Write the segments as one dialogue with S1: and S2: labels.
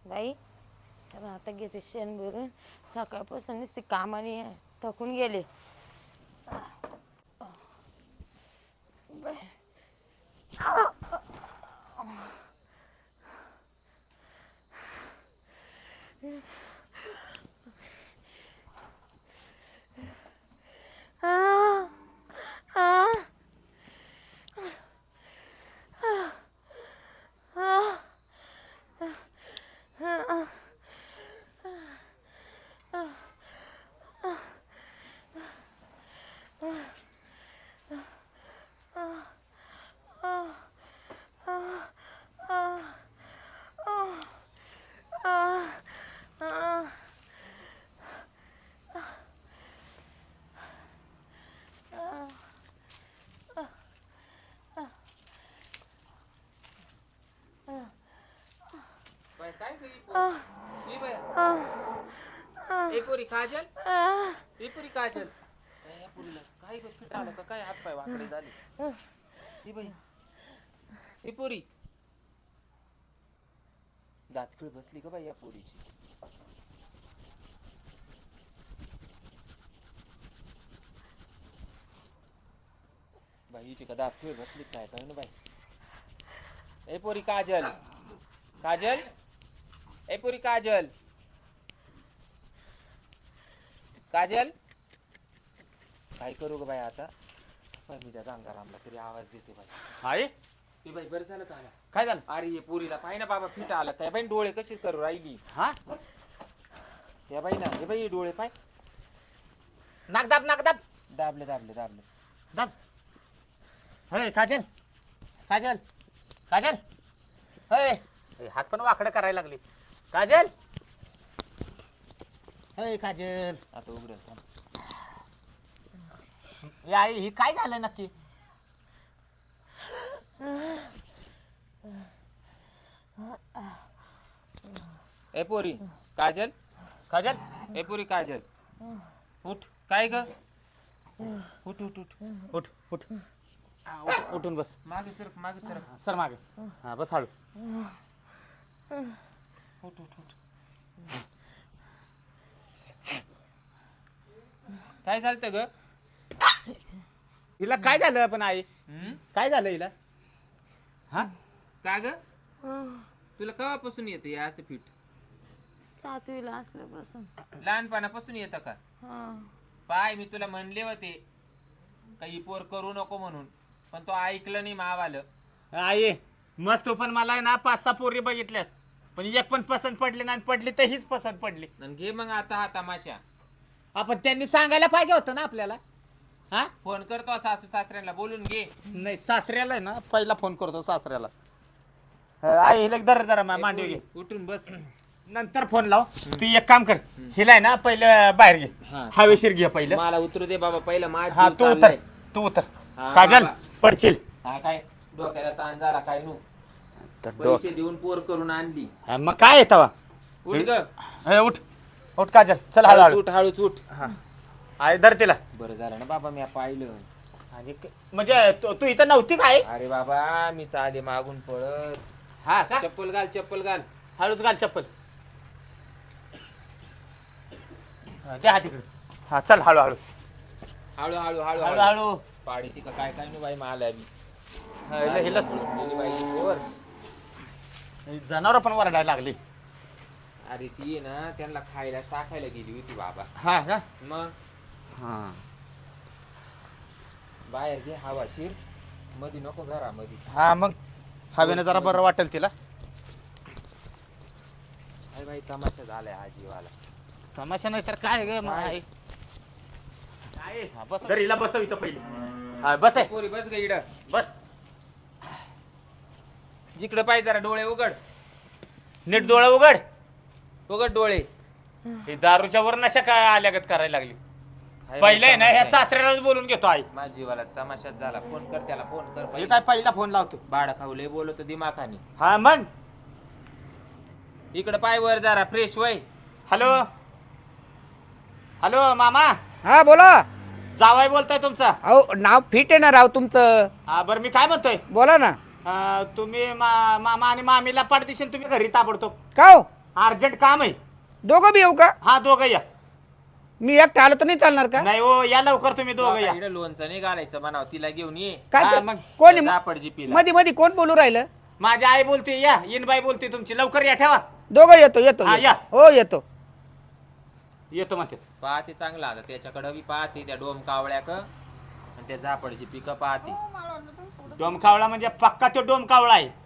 S1: बाई चला आता घेते शेण भरून सकाळपासून नुसती कामाने थकून गेले. बाई.
S2: काय पुरी काजल ही पुरी काजल या पुरीला काय फिट आलं का काय हात पाय वाकडे झाले ही बाई ही पुरी दातखिळ बसली का बाई या पुरीची. बाईची का दातखिळ बसली काय काय ना बाई. ए पुरी काजल काजल ए पुरी काजल काजल काय करू ग बाई आता. पण मी त्या गंगारामला तरी आवाज देते बाई.
S3: आहे
S2: ती बाई बरं झालं आला.
S3: काय झालं?
S2: अरे ये पुरीला पाहि ना बाबा फिट आला काय बाई डोळे कशी करू राहिली.
S3: हा
S2: या बाई ना हे बाई डोळे पाय
S3: नाक दाब नाक दाब
S2: दाबले दाबले दाबले
S3: दाब. हे काजल काजल काजल हे हात पण वाकडं करायला लागले. काजल हे काजल
S2: आता उघडेल थांब.
S3: आई ही काय झालं नक्की?
S2: ए पोरी काजल
S3: काजल
S2: ए पुरी काजल उठ काय ग उठ उठ उठ
S3: उठ उठ उठून बस.
S2: मागे सर
S3: सर मागे. हा बस हळू.
S2: उठ उठ उठ. काय चालतं ग?
S3: हिला काय झालं पण आई? काय झालं हिला? हा
S2: का ग तुला केव्हापासून येतं या असं फिट?
S1: 7वीला असल्यापासून.
S2: लहानपणापासून येतं का? पाय मी तुला म्हणले होते काही पोर करू नको म्हणून पण तो ऐकलं नाही मावालं.
S3: आई मस्त पण मला आहे ना 5-6 पोरी बघितल्यास पण एक पण पसंत पडली नाही. पडली तर हीच पसंत पडली.
S2: आणि घे मग आता हा तमाशा.
S3: आपण त्यांनी सांगायला पाहिजे होतं ना आपल्याला. हा
S2: फोन करतो सासू सासऱ्यांना बोलून घे.
S3: नाही सासऱ्याला आहे ना पहिला फोन करतो सासऱ्याला. आई हिला जरा मांडवी घे
S2: उठून बस.
S3: नंतर फोन लाव. तू एक काम कर हिला आहे ना पहिलं बाहेर घे.
S2: हा.
S3: हवेशीर घे पहिलं.
S2: मला उतरू दे बाबा पहिला माझा
S3: हा
S2: जीव
S3: तू उतर
S2: चाललाय.
S3: तू उतर.
S2: हा,
S3: काजल
S2: बाबा.
S3: पडशील.
S2: हा काय डोक्याला ताण झाला काय नू
S3: तर
S2: पैसे देऊन पोर करून आणली.
S3: हा, मग काय येतं
S2: उठ ग
S3: उठ उठ काजल चल हळू हळू.
S2: उठ हळूच उठ.
S3: आई धर तिला.
S2: बरं झालं ना बाबा मी पाहिलं.
S3: आणि म्हणजे तू इथं नव्हती काय?
S2: अरे बाबा मी चाले मागून पळत.
S3: हा का?
S2: चप्पल घाल चप्पल घाल.
S3: हळूच घाल चप्पल. द्या हा तिकडे. हा चल हळू हळू
S2: हळू हळू हळू
S3: हळू
S2: हळू
S3: हळू.
S2: पाडी ती का काय काय नाही बाई मला आली.
S3: हिला जनावर पण वरडायला लागली.
S2: अरे ती आहे ना त्यांना खायला टाकायला गेली होती बाबा.
S3: हा का?
S2: मग
S3: हा
S2: बाहेर घे हवाशीर मध्ये नको घरामध्ये.
S3: हा मग हवेनं जरा बरं वाटेल तिला.
S2: अरे बाई तमाशा झालाय हा जीवाला.
S3: तमाशा नाही तर काय ग
S2: काय?
S3: बस तर हिला बसव इथं पहिले. हा बस आहे
S2: पोरी बस ग इड.
S3: बस.
S2: जिकडे पाहिजे जरा डोळे उघड.
S3: नीट डोळा उघड.
S2: उघड डोळे.
S3: ही दारूच्या वर नशा काय आल्यागत करायला लागली. पहिलं आहे ना ह्या सासऱ्यालाच बोलून घेतो आई.
S2: माझ्या जीवाला तमाशात झाला. फोन कर त्याला फोन कर
S3: हे
S2: पहिले.
S3: काय पहिला फोन लावतो.
S2: बाळा खाऊले बोलतो दिमाखानी.
S3: हा मग
S2: इकडे पाय वर जरा फ्रेश वय.
S3: हॅलो हॅलो मामा
S4: हा बोला.
S3: जावाय बोलताय तुमचा.
S4: अहो नाव फिट आहे ना राव तुमचं.
S3: हा बरं मी काय म्हणतोय
S4: बोला ना.
S3: तुम्ही मामा आणि मामीला पाठदिशन तुम्ही घरी ताबडतोब.
S4: का हो
S3: अर्जंट काम आहे.
S4: दोघं बी येऊ का?
S3: हा दोघं या.
S4: मी एकटा आलो तर नाही चालणार का?
S3: नाही हो या लवकर तुम्ही दोघं या.
S2: इकडे लोणचं नाही घालायचं म्हणावं, तिला घेऊन ये.
S4: काय
S3: हा,
S4: कर-
S3: मग
S4: कोणी
S2: झापडजी पिला.
S4: मध्ये मध्ये कोण बोलू राहिलं?
S3: माझी आई बोलते या, इनबाई बोलते तुमची, लवकर या ठेवा.
S4: दोघं येतो येतो
S3: हा,
S4: येतो.
S3: या.
S4: हो येतो.
S3: येतो म्हणते.
S2: पाहते चांगला आता त्याच्याकडे बी पाहते, त्या डोम कावळ्याक आणि त्या झापडची पिकं पाहते.
S3: डोमकावळा म्हणजे पक्का तो डोमकावळा आहे.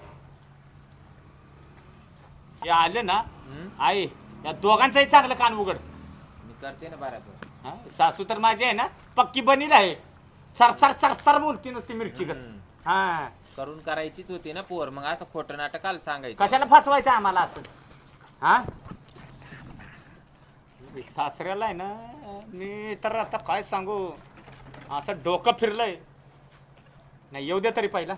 S3: हे आले ना आई, या दोघांचंही चांगलं कान उघड.
S2: मी करते ना बराबर.
S3: हा, सासू तर माझी आहे ना पक्की बनील आहे. सरसर सरसर बोलती नसती मिरची कर. हा
S2: करून करायचीच होती ना पोर, मग असं खोटं नाटकाला सांगायचं.
S3: कशाला फसवायचं आम्हाला असं? हा सासऱ्याला आहे ना मी तर आता काय सांगू, असं डोकं फिरलंय. नाही येऊ दे तरी पहिला.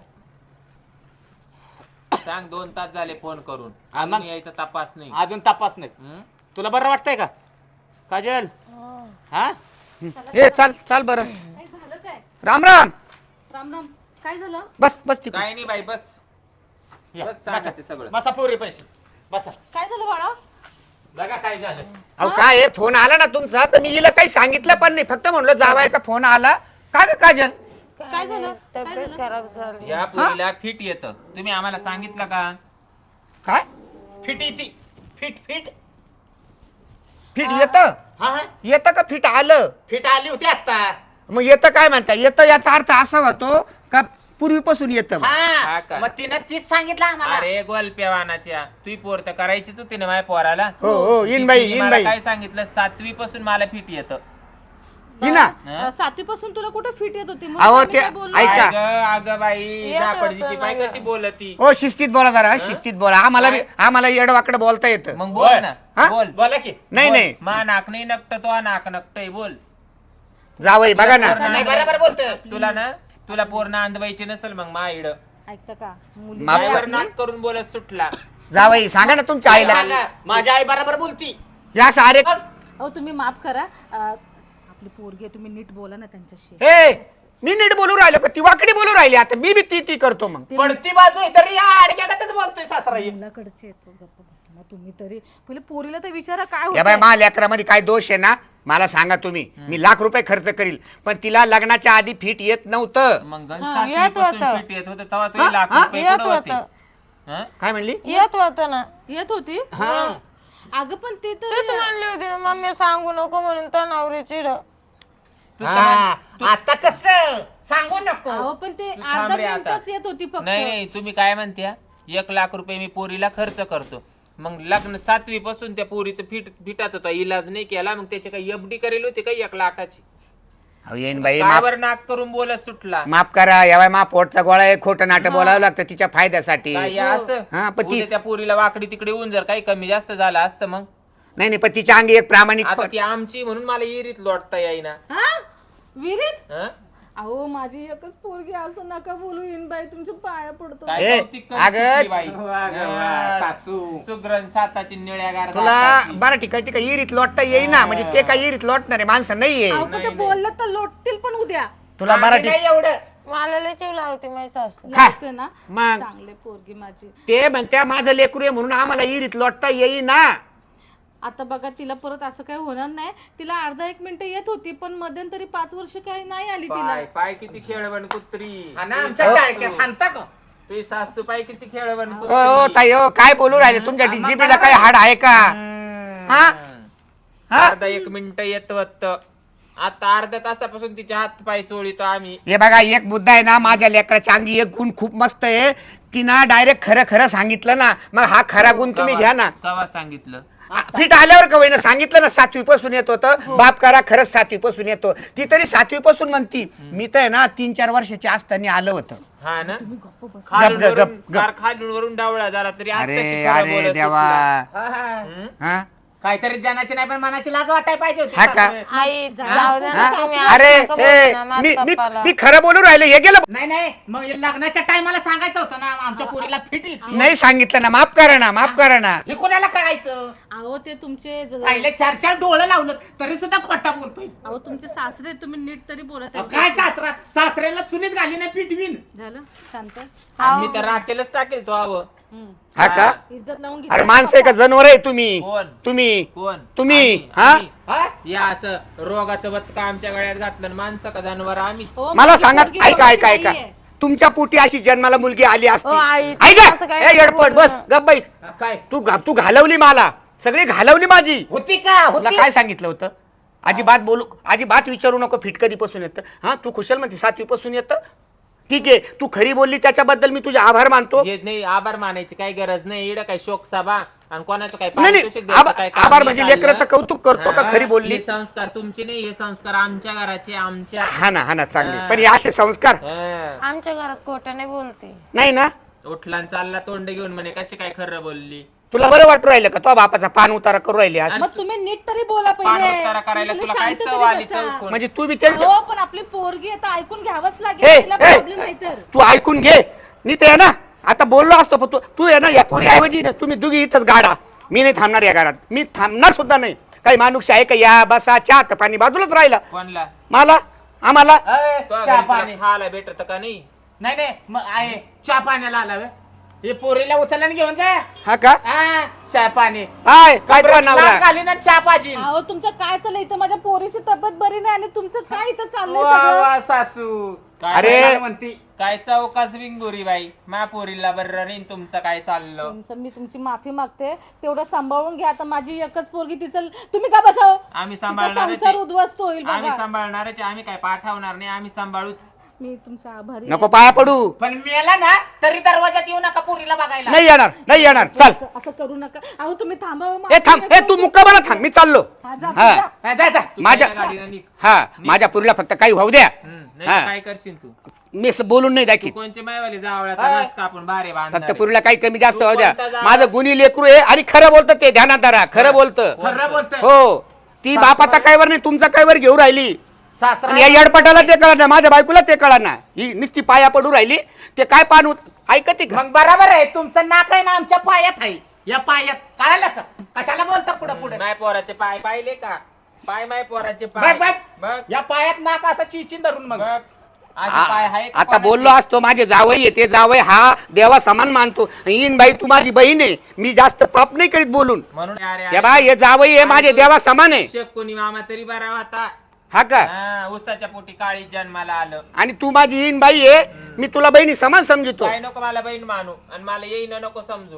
S2: सांग 2 तास झाले फोन करून,
S3: हा, मग?
S2: अजून यायचा तपास नाही.
S3: अजून तपास नाही.
S2: हं?
S3: तुला बरं वाटतंय का काजल? हा
S4: हे चाल चाल बरं.
S5: काय झालं काय?
S4: राम राम.
S5: राम राम. काय झालं?
S4: बस बस तिकडे.
S2: काय नाही बाई, बस
S3: या,
S2: बस सांगा ते सगळं.
S3: बसा पोरी पैसे बसा.
S5: काय झालं बाळा?
S3: बघा काय झालं.
S4: अहो काय आहे, फोन आला ना तुमचा तर मी हिला काही सांगितलं पण नाही, फक्त म्हणलं जावायचा फोन आला. का ग काजल?
S5: काय झालं? काय
S1: तब्येत
S5: झालं?
S1: खराब झाली.
S2: या पोरीला फिट येतं, तुम्ही आम्हाला सांगितलं का?
S4: काय
S3: फिट येते. फिट फिट
S4: फिट येतं?
S3: हा हा
S4: येतं का फिट आलं?
S3: फिट आली होती आता.
S4: मग येतं काय म्हणता? येतं याचा अर्थ असा होतो का पूर्वीपासून येतं मग?
S2: हा
S3: हा
S2: का?
S3: मग तिनं तीच सांगितलं आम्हाला.
S2: अरे गोलप्या वानाच्या, तुझी पोर तर करायचीच होती ना माझ्या पोराला.
S4: हो हो इन बाई
S2: तिने
S4: इन
S2: मला
S4: बाई
S2: काय सांगितलं, 7वी पासून मला फिट येतं.
S4: हिना.
S2: हं?
S5: 7वी पासून तुला कुठे फिट येत होती?
S4: अहो,
S5: आम्ही
S4: ते
S5: काय बोललो?
S4: ऐका.
S2: अगं बाई,
S1: येत
S2: झापडची
S1: होतं
S2: ती बाई
S1: ना
S2: कशी
S1: गं.
S2: बोलती.
S4: हो शिस्तीत बोला जरा, शिस्तीत बोला. आम्हाला येडवाकडे बोलता येतं.
S2: मग बोल ना,
S4: हा?
S2: बोल.
S3: बोला की.
S4: नाही
S2: बोल.
S4: नाही
S2: मा नाक नाही नकट, तो नाक नकटय, बोल.
S4: जावई बघा ना.
S3: नाही बरोबर बोलतोय.
S2: तुला पोर नांदवायची नसेल मग मा इड
S5: ऐकतं का? मुली
S4: माफ
S2: मायावर
S4: कर.
S2: नाक करून बोलत सुटला.
S4: जावई सांगा ना तुमच्या आईला.
S3: सांगा, माझी आई बरोबर बोलती.
S4: या सारे
S5: अहो तुम्ही माफ करा. आपली पोरगी आहे, तुम्ही नीट बोला ना त्यांच्याशी.
S4: हे मी नीट बोलू राहिलो का ती वाकडी बोलू राहिली? आता मी बी ती करतो मग.
S5: ते
S3: पडती बाजू आहे तरी या आडक्यातच बोलतोय सासरा हे.
S5: मुलाकडचे आहेत, गप्प बसा ना तुम्ही तरी. पहिले पोरीला तर विचारा काय
S4: या बाय
S5: होतं.
S4: मा लेकरामध्ये काय दोष आहे ना मला सांगा तुम्ही. मी ₹1,00,000 खर्च करील पण तिला लग्नाच्या आधी फिट येत नव्हतं.
S2: मग
S1: हा, येत होतं.
S2: फिट येत होतं तेव्हा तुला लाख रुपये
S1: येत
S2: कुठं होते?
S1: होतं.
S2: हं?
S4: काय म्हणली?
S1: येत होतं ना.
S5: येत होती?
S3: हा.
S5: अगं पण ते
S1: तेच
S5: तर
S1: म्हणली होती ना मम्मी सांगू नको म्हणून तर नवरी चिड.
S2: तू
S3: हा,
S2: तर-
S3: आता कस सांगू नको.
S5: अहो पण ते
S2: तू
S5: अर्धा
S2: थांब रे आता.
S5: मिनिटच येत होती फक्त.
S2: नाही नाही, तुम्ही काय म्हणत्या, 1,00,000 रुपये मी पोरीला खर्च करतो. मग लग्न 7वी पासून त्या पोरीचं फिटाचा तो इलाज नाही केला, मग त्याची काही एफडी करेल होती काही 1,00,000ची.
S4: अहो येईन बाई
S2: कावर नाक करून बोलत सुटला.
S4: माफ करा. या बाय मा पोटचा गोळा आहे, खोटं नाटक बोलावं लागतं तिच्या फायद्यासाठी.
S2: काय या असं
S4: हा, पण ती-
S2: उद्या त्या पोरीला वाकडी तिकडे येऊन जर काही कमी जास्त झालं असतं मग.
S4: नाही नाही पण तिच्या अंगी एक प्रामाणिक
S2: आता ती आमची म्हणून मला इरीत लोटता येईना.
S5: हा? विहिरीत?
S2: हं?
S5: अहो माझी एकच पोरगी, असं नका बोलू इन बाई, तुमच्या पाया पडतो.
S2: काय
S4: ए,
S2: कौतिक करते
S4: अगं,
S2: ती बाई.
S3: वा ग वा,
S2: हं,
S3: सासू.
S2: सुग्रण साताची निळ्या
S4: तुला बरं ठीक आहे इरीत लोटता येईना म्हणजे ते काय इरीत लोटणारे माणसं नाहीये.
S5: अहो पण ते बोललं तर लोटतील पण उद्या.
S4: तुला मराठी
S3: नाही एवढं.
S1: मला लय चिव लावते माझी सासू.
S4: काय?
S5: लागते ना.
S4: मग
S5: चांगले पोरगी माझी.
S4: ते म्हणत्या माझं लेकरू आहे म्हणून आम्हाला इरीत लोटता येईना.
S5: आता बघा तिला परत असं काही होणार नाही. तिला अर्धा 1 मिनिट येत होती पण मध्यंतरी 5 वर्ष काही नाही आली तिला.
S2: पाय पाय किती खेळवण कुत्री.
S3: हा ना, आमच्या टाळक्यात हाणता का?
S2: तुझी सासू पाय किती खेळवण
S4: ओ ओ ताई ओ काय बोलू राहिले? तुमच्या डीजीपीला काय हाड आहे का? हा? हा?
S2: अर्धा 1 मिनिट येत होत. आता अर्ध्या तासापासून तिचे हात पाय चोळीतो आम्ही.
S4: हे बघा एक मुद्दा आहे ना, माझ्या लेकराच्या अंगी एक गुण खूप मस्त आहे. तिनं डायरेक्ट खरं खरं सांगितलं ना, मग हा खरा गुण तुम्ही घ्या ना.
S2: कवा सांगितलं?
S4: फिट आल्यावर का होईना सांगितलं ना 7वी पासून येत होतं. बाप करा खरंच 7वी पासून येतो. ती तरी 7वी पासून म्हणती. मी तर आहे ना 3-4 वर्षाची असताना आलं होतं.
S2: हा ना,
S4: गप,
S2: खालून
S4: गप.
S2: खालून वरून डावळा झाला तरी आत्ताशी
S4: अरे
S2: खरं
S4: अरे
S2: बोलत
S4: देवा.
S2: सुटला.
S3: हा, हा.
S2: हं?
S4: हा?
S3: काहीतरी जनाची नाही पण मनाची लाज वाटायला पाहिजे होती
S4: हा का?
S3: सासू.
S1: आई जाऊ दे ना
S4: हा?
S1: तुम्ही
S4: अरे
S1: असं नका
S4: ए,
S1: बोलू ना
S4: मी
S1: माझ्या
S4: मी
S1: पप्पाला.
S4: मी खरं बोलू राहिले हे गेलं.
S3: नाही नाही मग लग्नाच्या टायमाला सांगायचं होतं ना आमच्या पोरीला फिट येते.
S4: नाही सांगितलं ना, माफ करा ना, माफ करा ना.
S3: हे कोणाला कळायचं?
S5: अहो ते तुमचे
S3: पहिले 4-4 डोळं लावलं तरी सुद्धा खोटा बोलतोय.
S5: अहो तुमचे सासरे, तुम्ही नीट तरी बोला
S3: अहो,
S5: त्यांच्याशी.
S3: काय सासऱ्याला चुलीत घाली नाही पिटवीन.
S5: झालं शांत.
S2: मी तर राखेलच टाकेल तो.
S4: हा का?
S5: इज्जत लावून घे.
S4: अरे माणसं आहे का जनावर आहे तुम्ही?
S2: कोण?
S4: तुम्ही
S2: कोण?
S4: तुम्ही
S2: आम्ही-
S4: हा
S2: आम्ही. या असं रोगाचं बत्का आमच्या गळ्यात घातलं आणि माणसं का जनावर आम्हीच.
S5: हो,
S4: मला
S5: माझी
S4: सांगा,
S5: पोरगी
S4: ऐका ऐका
S5: बघायची
S4: ऐका
S5: नाहीये.
S4: तुमच्या पोटी अशी जन्माला मुलगी आली असती
S1: ओ, आई,
S4: ऐका
S1: असं काय
S4: ए येडपट बस
S1: बोलणं?
S4: गप बाई.
S3: काय
S4: तू घालवली मला, सगळी घालवली माझी.
S3: होती का
S4: तुला
S3: होती
S4: काय सांगितलं होतं? अजिबात बोलू, अजिबात विचारू नको फिट कधीपासून येतं. हा तू खुशाल म्हणते 7वी पासून येतं. ठीक आहे, तू खरी बोलली त्याच्याबद्दल मी तुझे आभार मानतो.
S2: येत नाही, आभार मानायची काही गरज नाही. इकडं काय शोक सभा आणि कोणाचं काय
S4: नाही
S2: पारितोषिक
S4: नाही,
S2: द्यायचं काय काम
S4: आभार
S2: नाही
S4: म्हणजे
S2: चाललं.
S4: लेकराचं कौतुक करतो का
S2: हा,
S4: खरी बोलली?
S2: हे संस्कार तुमचे नाही, हे संस्कार आमच्या घराचे, आमच्या.
S4: हा ना चांगले,
S2: हा.
S4: पण हे असे संस्कार
S2: हा.
S1: आमच्या घरात खोटं बोलते.
S4: नाही ना.
S2: उठला आणि चालला तोंड घेऊन म्हणे कशी काय खरं बोलली.
S4: तुला बरं वाटू राहिलं का तो बापाचा पान उतारा करू राहिली आज?
S5: मग तुम्ही नीट तरी बोला
S2: पान
S5: पहिले.
S2: उतारा करायला
S5: तुम्ही
S2: तुला काय
S5: शांत
S2: चव
S5: तरी
S2: आली,
S5: बसा.
S2: चव कोण?
S4: म्हणजे तू बी त्यांच्या
S5: हो पण आपली पोरगी आहे तर ऐकून घ्यावंच
S4: हे,
S5: लागेल. तिला
S4: हे,
S5: प्रॉब्लेम नाही तर.
S4: तू ऐकून घे. नीट आहे ना, आता बोललो असतो पण तू आहे ना या पोरी ऐवजी ना तुम्ही दोघी इथंच गाडा. मी नाही थांबणार या घरात, मी थांबणार सुद्धा नाही. काही माणूस आहे का या बसा चहा तर पाणी बाजूलाच राहिला.
S2: कोणला?
S4: मला आम्हाला
S3: अय,
S2: तो
S3: चहा
S2: घरी
S3: पाणी
S2: तुला खायला भेटत का नाही?
S3: नाही नाही मग आहे चहा पाण्याला आला व्हय? हे पोरीला उचलला आणि घेऊन जा.
S4: हा का?
S3: हा, चहा पाणी
S4: हाय काय तो नवरा?
S3: खाली ना चहा पाजी.
S5: अहो तुमचं काय चाललंय इथं? माझ्या पोरीची तब्येत बरी नाही आणि तुमचं काय इथं चाललंय
S3: वा
S5: सगळं?
S3: वा सासू
S2: काय
S4: अरे,
S3: काय म्हणती?
S2: काय चौकाच विंगोरी बाई, मा पोरीला बरं नाही, तुमचं काय चाललं?
S5: तुमचं मी तुमची माफी मागते. तेवढं सांभाळून घ्या. आता माझी एकच पोरगी, तिचं तुम्ही का बसाव?
S2: आम्ही
S5: तिचा
S2: सांभाळणारच
S5: संसार
S2: आहे.
S5: उद्ध्वस्त होईल
S2: आम्ही
S5: बघा.
S2: सांभाळणारच आहे. आम्ही काय पाठवणार नाही, आम्ही सांभाळूच.
S5: मी तुमच्या आभारी
S4: नको पाया पडू.
S3: पण मेला ना तरी दरवाजात येऊ नका पोरीला बघायला.
S4: नाही येणार चल.
S5: असं करू नका. अहो तुम्ही थांबा.
S4: ए थांब, ए तू मुक्कामाला थांब, मी चाललो.
S5: हा, जा,
S4: हा.
S5: जा.
S3: हा, जा जा.
S2: तू
S4: माझ्या
S2: पहिल्या गाडीनं निघ.
S4: हा माझ्या पुरीला फक्त काही होऊ द्या.
S2: नाही
S4: हा.
S2: तर काय करशील तू?
S4: मी असं बोलून नाही
S2: तू
S4: दाखीत.
S2: कोणचे मायवाले जावळाचा
S3: हा.
S2: नस कापून बारे
S4: फक्त
S2: बांधणार
S4: पुरीला काही कमी जास्त
S2: तू
S4: होऊ द्या.
S2: कोणता जावळ?
S4: माझं गुन्ही लेकरू आहे आणि खरं बोलतं ते, ध्यानात धरा, खरं बोलतं.
S3: खरं बोलतोय.
S4: हो, ती बापाचा कायवर नाही तुमचा कायवर घेऊ राहिली.
S3: सासरा
S4: आणि या येडपटाला ते कळा ना, माझ्या बायकोला ते कळा ना. ही नुसती पाया पडू राहिली, ते काय पान ऐकते का?
S3: मग बरोबर आहे, तुमचं नाक आहे ना आमच्या पायात आहे. या पायात कळालं का? कशाला बोलता पुढे पुढे?
S2: माय पोराचे पाय पाहिले का? पाय माय पोराचे
S3: बघ
S2: पाय
S3: बघ
S2: बघ
S3: या पायात नाक असं चिचिन धरून मग
S2: बघ. असे पाय आहे का
S4: आता
S2: कोणाचे?
S4: बोललो असतो माझे जावई आहे, ते जावई हा देवा समान मानतो. येईन बाई तू माझी बहीण आहे, मी जास्त पाप नाही करीत बोलून.
S2: म्हणून अरे
S4: या बाई हे जावई आहे माझे देवा समान आहे.
S2: कोणी मामा तरी बरा होता.
S4: हा का?
S2: हा, उसाच्या पोटी काळी जन्माला आलं.
S4: आणि तू माझी येईन बाई आहे, मी तुला बहिणी समान समजतो.
S2: काय नको मला बहीण मानू आणि मला येईन नको समजू.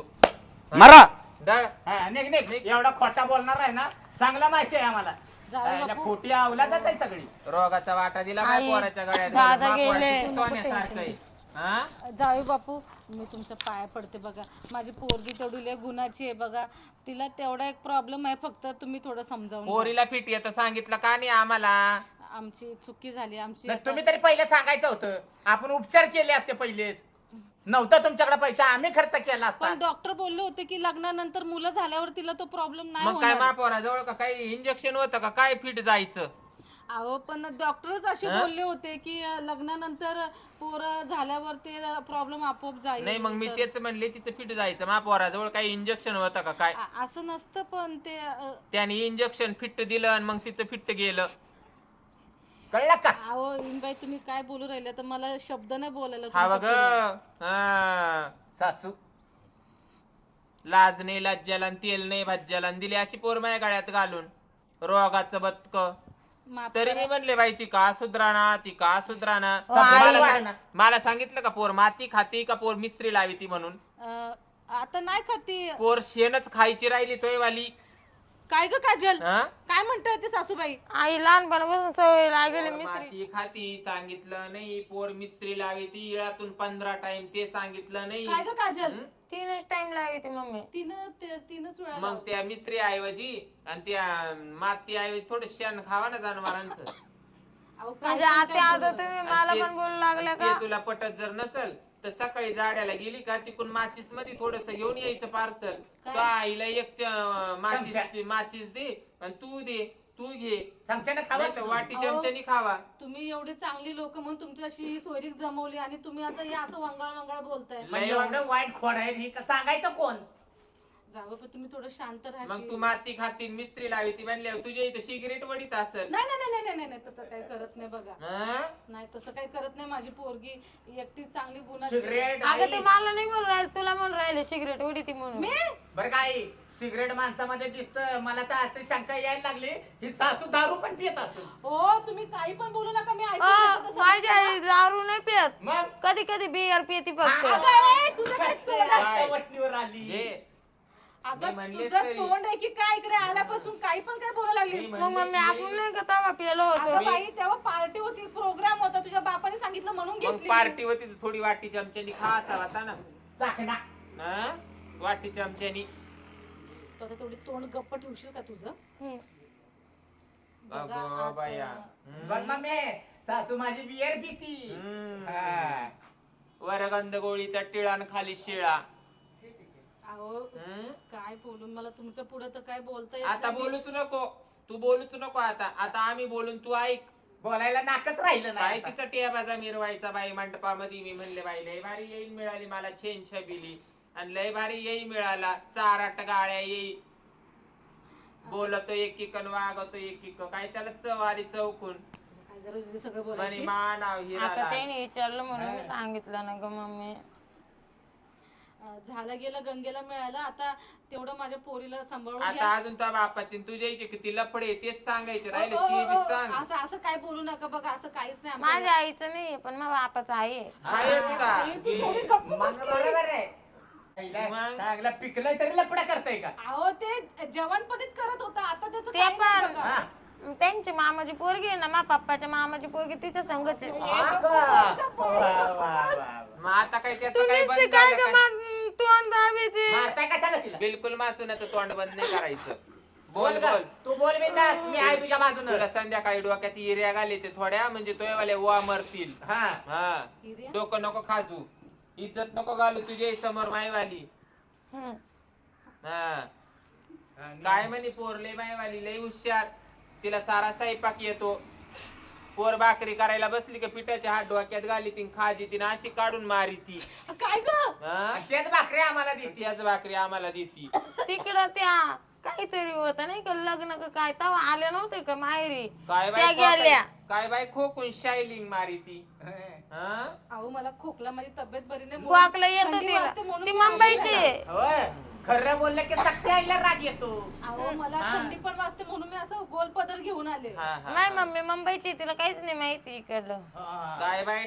S4: मरा
S2: डळ
S3: हा, निघ निघ. एवढा खोटा बोलणार आहे ना, चांगला माहिती आहे आम्हाला.
S5: जाऊ
S3: याला
S5: बापू.
S3: खोटी अवलादच आहे सगळी.
S2: रोगाचा वाटा दिला
S1: आई,
S2: माय पोराच्या गळ्यात.
S1: दादा
S2: माय पोराची
S1: गेले.
S2: ती सोन्यासारखं आहे. हा?
S5: जाऊ बापू, मी तुमच्या पाया पडते बघा. माझी पोरगी तेवढी लय गुणाची आहे बघा. तिला तेवढा एक प्रॉब्लेम आहे, फक्त तुम्ही थोडं समजावून घ्या.
S2: पोरीला फिट येतं सांगितलं का नाही आम्हाला?
S5: आमची चुकी झाली आमची.
S3: नाही,
S5: आता-
S3: तुम्ही तरी पहिले सांगायचं होतं. आपण उपचार केले असते पहिलेच. नव्हतं तुमच्याकडे पैसा, आम्ही खर्च केला असता.
S5: पण डॉक्टर बोलले होते की लग्नानंतर मुलं झाल्यावर तिला तो प्रॉब्लेम नाही
S2: मग काय
S5: होणार.
S2: मा पोराजवळ का काही इंजेक्शन होतं का काय फिट जायचं?
S5: अहो पण डॉक्टरच असे
S2: हा?
S5: बोलले होते की लग्नानंतर पोरं झाल्यावर ते प्रॉब्लेम आपोआप जाईल.
S2: नाही मग मी
S5: तर-
S2: तेच म्हणले तिचं फिट जायचं. मा पोराजवळ काही इंजेक्शन होतं का काय?
S5: असं नसतं पण ते
S2: त्याने इंजेक्शन फिट दिलं आणि मग तिचं फिट गेलं.
S3: कळलं का?
S5: अहो बाई तुम्ही काय बोलू राहिले तर मला शब्द नाही बोलायला
S2: हा
S5: तुमच्या
S2: बघ
S5: पुढे.
S2: हा.
S3: सासू
S2: लाज नाही लज्जाला आणि तेल नाही भाज्याला आणि दिली अशी पोर माझ्या गळ्यात घालून रोगाचं बतक.
S5: माफ
S2: तरी
S5: करा.
S2: मी म्हणले बाई ती का सुधराना, ती का सुधराना.
S1: ओ, आई.
S2: मला सांगितलं का पोर माती खाती का पोर मिस्त्री लावी ती म्हणून?
S5: आता नाही खाती.
S2: पोर शेणच खायची राहिली तोय वाली.
S5: काय ग काजल,
S2: हा?
S5: काय म्हणताय ते सासूबाई?
S1: आई लहानपणापासून सवय लागेली
S2: पोर
S1: मिस्त्री.
S2: माती खाती सांगितलं नाही, पोर मिस्त्री लावी ती इळातून 15 टाइम ते सांगितलं नाही.
S5: काय ग काजल?
S2: हं?
S1: 3च टाइम लागते मम्मी.
S5: तीनच वेळा
S2: मग त्या मिस्त्री ऐवजी आणि त्या माती ऐवजी थोडं शेण खावा ना जनावरांचं.
S5: अहो, काय
S1: म्हणजे
S5: पण
S1: आता
S5: काय
S1: आता
S5: बोलू?
S1: तुम्ही
S2: आणि
S1: मला
S2: ते-
S1: पण बोलू लागल्या
S2: आणि
S1: का?
S2: ते तुला पटत जर नसल तर सकाळी जाड्याला गेली का तिकून माचीस मध्ये थोडस घेऊन यायचं पार्सल. तो आईला एक माचीस दे आणि तू दे, तू घे.
S3: चमच्याने खावा.
S2: नाही तर वाटी
S5: अहो.
S2: चमच्यानी खावा.
S5: तुम्ही एवढी चांगली लोक म्हणून तुमच्याशी ही सोयरीक जमवली आणि तुम्ही आता हे असं वंगाळ वंगाळ बोलताय.
S3: म्हणजे एवढं वाईट खोड आहे ही का सांगायचं कोण?
S5: जावं पण तुम्ही थोडं शांत राहा
S2: मग
S5: की.
S2: तू माती खाती मिस्त्री लावी ती म्हणल्यावर तुझ्या इथं सिगरेट वडीत असेल.
S5: नाही नाही नाही नाही नाही नाही तसं काही करत नाही बघा.
S2: हं?
S5: नाही तसं काही करत नाही. माझी पोरगी एकटी चांगली गुणाची.
S3: सिगरेट
S1: अगं ते मला नाही म्हणून राहिले, तुला म्हणून राहिले सिगरेट उडी ती म्हणून.
S5: मी
S3: बरं काय सिगरेट माणसामध्ये दिसतं. मला तर असं शंका यायला लागली ही सासू दारू पण पित असेल.
S5: हो तुम्ही काही पण बोलू नका. मी ऐकून
S1: अ,
S5: घेते तसं.
S1: माझी आई दारू नाही पियत,
S3: मग
S1: कधी कधी बियर पिती फक्त.
S5: अगं, ए, तुझं काय तोंड आहे?
S2: काय?
S3: वटणीवर आली
S2: ये मी
S5: अगं
S2: म्हणलेच
S5: तुझं
S2: तरी.
S5: तोंड आहे की काय इकडे आल्यापासून काही पण काय बोलायला लागलीस?
S2: मी
S1: मग मम्मी आपण नाही का तवा पिलो होतो.
S5: अगं बाई तेव्हा पार्टी होती, प्रोग्राम होता, तुझ्या बापाने सांगितलं म्हणून
S2: मग
S5: घेतली.
S2: पार्टी होती तर थोडी वाटी चमच्यानी खायचा होता ना.
S3: चाकणा.
S2: हं? वाटी चमच्यानी.
S5: तू आता थोडी तोंड गप्प ठेवशील का तुझं?
S1: हम्म.
S5: बघा
S2: अगं
S5: आता.
S2: बाया.
S3: बघ मम्मी सासू माझी बियर पिती. हा.
S2: वरगंध गोळीचा टिळान खाली शिळा.
S5: अहो
S2: हं?
S5: काय बोलून मला तुमच्या पुढे तर काय बोलता येत
S2: आता
S5: नाही.
S2: बोलूच नको, तू बोलूच नको आता आम्ही बोलून तू ऐक.
S3: बोलायला नाकच राहिलं
S2: बाई
S3: नाही आता.
S2: तिचा टियाबाजा मिरवायचा बाई मंडपामध्ये. मी म्हणले बाई लय भारी येईल मिळाली मला छेन छबिली आणि लय भारी येई मिळाला 4-8 गाळ्या येई. बोलतो एकीकन वागतो एकीक काय त्याला चव आली चौकून
S5: काय गरज होती सगळं
S2: म्हणे
S5: बोलायची?
S2: मा नाव
S1: आता
S2: हिरा.
S1: त्याने विचारलं म्हणून मी सांगितलं ना ग मम्मी.
S5: झालं गेलं गंगेला मिळालं. आता तेवढं माझ्या पोरीला सांभाळून
S2: आता
S5: घ्या.
S2: अजून त्या बापाची आणि तुझ्या इथे किती लफडे तेच सांगायचे राहिले
S5: ओ,
S2: ती
S5: ओ,
S2: बी
S5: ओ,
S2: सांग.
S5: असं असं काय बोलू नका बघा. असं काहीच नाही
S1: माझ्या
S5: आमच्या-
S1: आईचं नाही पण माझ्या बापाचं आहे.
S2: आहेच का?
S5: आई, तू थोडी गप्प बस
S3: मग
S5: की.
S3: बरोबर आहे. पहिला
S2: मग?
S3: चांगला पिकलंय तरी लपडा करताय का?
S5: अहो ते जवानपणीत करत होता. आता त्याचं
S1: ते
S5: काही नाही
S1: पण.
S5: बघा.
S3: हा.
S1: त्यांची मामाची पोरगी आहे ना, मा पप्पाच्या मामाची पोरगी तिच्या संगच आहे.
S3: हा का? वा, वा, वा.
S2: मग आता काय त्याचं
S1: तुम्ही
S2: काय
S1: ते
S2: बंद
S1: काय
S2: झालं
S1: ग
S2: का?
S1: तोंड दाबी ते.
S3: मारताय कशाला तिला?
S2: बिलकुल मासूनाचं तोंड बंद नाही करायचं.
S3: बोल
S2: बोल
S3: ग.
S2: बोल.
S3: तू बोल बिंदास. मी आहे तुझ्या बाजूनं.
S2: तुला संध्याकाळी डोक्यात हिऱ्या घाली ते थोड्या म्हणजे तोयवाले वा मरतील.
S3: हा.
S2: हा
S5: हिऱ्या?
S2: डोकं नको खाजू, इज्जत नको घालू तुझ्या समोर माईवाली.
S1: हम्म.
S2: हा काय म्हणे पोर लय माईवाली लय हुशार, तिला सारा स्वयंपाक येतो. पोर भाकरी करायला बसली का पिठाच्या हात डोक्यात घाली ती खाजी ती अशी काढून मारी ती.
S5: काय ग?
S2: हा?
S3: तेच भाकरी आम्हाला देते.
S2: त्याच भाकरी आम्हाला देती.
S1: तिकडं त्या काहीतरी होत नाही का लग्न का काय तवा आले नव्हते का माहेरी
S2: काय
S1: त्या
S2: बाई
S1: गेल्या.
S2: काय बाई खोकून शायलिंग मारी ती. हा?
S5: अहो मला खोकला, माझी तब्येत बरी नाही.
S1: गोकला येतो
S5: थंडी
S1: तिला,
S5: वाजते म्हणून
S1: ती
S5: मी
S1: मुंबईची आहे.
S3: होय खरं बोललं की सख्या आईला राग येतो.
S5: अहो मला
S3: हा.
S5: थंडी पण वाजते म्हणून मी असं गोल पदर घेऊन आले.
S2: हा, हा,
S1: नाही
S2: हा.
S1: मम्मी मुंबईची आहे, तिला काहीच नाही माहिती इकडलं.
S3: हा.
S2: काय बाई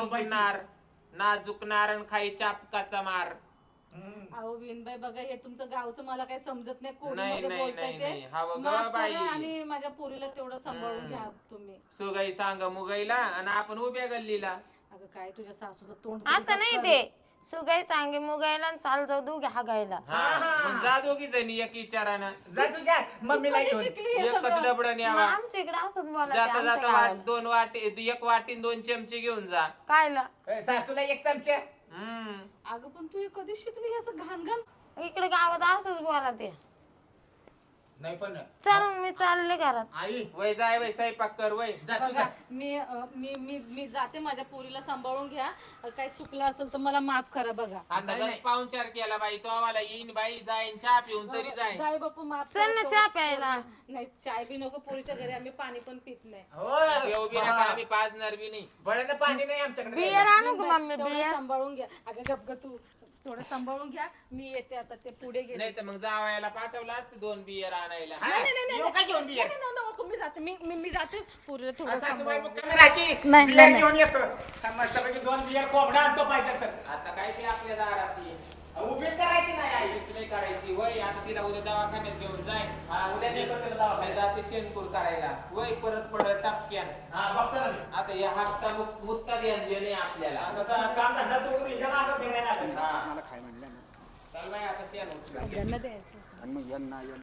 S2: नाजुकणार आणि खाई चापकाचा मार.
S3: हम्म.
S5: अहो विनबाई बघा हे तुमचं गावचं मला काही समजत नाही.
S2: नाही,
S5: कोणीमध्ये
S2: नाही,
S5: बोलताय
S2: नाही, नाही.
S5: ते
S2: हा बघ
S5: माफ
S2: बाई.
S5: करा आणि माझ्या पोरीला तेवढं सांभाळून घ्या तुम्ही.
S2: सुगाई सांग मुगाईला आणि आपण उभ्या गल्लीला.
S5: अगं काय तुझ्या सासूचं तोंड
S1: असं नाही ते सुगाई सांगे मुगायला आणि चाल जाऊ दोघे हागायला.
S2: हा मग जा दोघी जणी एक विचारानं
S3: जा तुझ्या मम्मीला
S5: कधी
S3: घेऊन.
S5: शिकली हे
S2: एकच
S5: सगळं?
S2: डबडं
S1: मग
S2: न्यावा.
S1: आमच्या इकडे असंच बोलायचं
S2: जाता
S1: आमच्या
S2: जाता
S1: गावाला.
S2: दोन वाटी एक वाटी 2 चमचे घेऊन जा.
S1: कायला
S3: सासूला एक चमचा.
S2: हम्म
S5: अगं पण तू हे कधी शिकली हे असं घाण घाण?
S1: इकडे गावात असंच बोला ते.
S3: नाही पण
S1: चल मी चालले घरात.
S3: आई
S2: वय जाय वय स्वयंपाक कर वय.
S3: जा तू
S5: बघा
S3: जा.
S5: मी जाते. माझ्या पोरीला सांभाळून घ्या. काही चुकलं असेल तर मला माफ करा. बघा
S2: आता
S3: नाही,
S2: गच
S3: नाही.
S2: पाहुणचार केला बाई तो आम्हाला येईन बाई जाईन चहा पिऊन तरी जाईन.
S5: जाय बापू माफ
S1: चल ना
S5: करतो.
S1: चहा प्यायला.
S5: नाही चाय बी नको. पोरीच्या घरी आम्ही पाणी पण पित नाही.
S2: येऊ बी नका आम्ही पाजणार बी नाही.
S3: बळानं पाणी नाही आमच्याकडे.
S1: बियर आणू का मम्मी
S5: तेवढं
S1: बियर?
S5: सांभाळून घ्या. अगं गप ग तू थोडं सांभाळून घ्या. मी येते आता. ते पुढे गेले.
S2: नाही तर मग जावायला पाठवलं असतं 2 बियर आणायला.
S3: हा,
S5: नाही, नाही, नाही,
S3: येऊ का घेऊन बियर?
S5: नाही, नाही, नाही, नको. मी जाते. मी जाते. पुरीला थोडं
S3: सासूबाई
S5: सांभाळून
S3: मुक्कामी राहती.
S5: नाही,
S3: बियर
S5: नाही.
S3: घेऊन येतो. मस्तपैकी 2 बियर कोंबडा आणतो पाहिजे तर.
S2: आता काय ते आपल्या दारात ये.
S3: उभी करायची नाही आई.
S2: काहीच नाही करायची वय. आता तिला उद्या दवाखान्यात घेऊन जाईन.
S3: हा, उद्या नेतो तिला दवाखान्यात.
S2: जाते शेणकूर करायला वय परत पडत टपक्यान.
S3: हा, बघतो ना मी.
S2: आता या हातचा मुक्ता ध्यान देणे आपल्याला.
S3: आता काम धंदा सोडून इकडे मागं फिरायला लागेल.
S2: हा. चल बाई आता शेण उचला.
S5: घ्या. द्यायचं.